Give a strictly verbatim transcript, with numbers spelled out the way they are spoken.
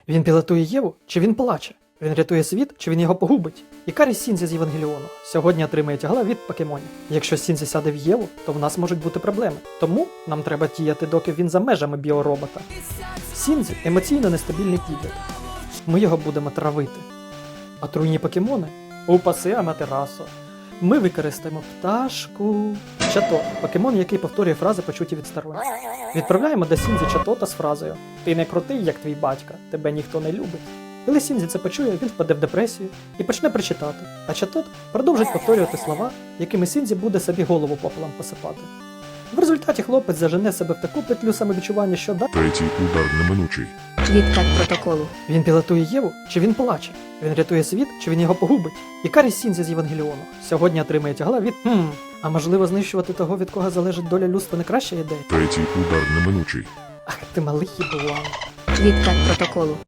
Він пілотує Єву, чи він плаче? Він рятує світ, чи він його погубить? Ікарі Сінзі з Євангеліону сьогодні отримає тягла від покемонів. Якщо Сінзі сяде в Єву, то в нас можуть бути проблеми. Тому нам треба діяти, доки він за межами біоробота. Сінзі – емоційно нестабільний підліток. Ми його будемо травити. Отруйні покемони? Упаси Аматерасо. Ми використаємо пташку. Чато – покемон, який повторює фрази, почуті від сторонніх. Відправляємо до Сінзі Чатота з фразою «Ти не крутий, як твій батька, тебе ніхто не любить». Коли Сінзі це почує, він впаде в депресію і почне причитати, а Чатот продовжить повторювати слова, якими Сінзі буде собі голову попелом посипати. В результаті хлопець зажене себе в таку петлю самовідчування, що да... Третій удар неминучий. Відкат протоколу. Він пілотує Єву, чи він плаче? Він рятує світ, чи він його погубить? Ікарі Сінзі з Євангеліону сьогодні отримає тягла від «Хм, а можливо знищувати того, від кого залежить доля людства, не краща ідея?» Третій удар неминучий. Ах, ти малий їблан. Відкат протоколу.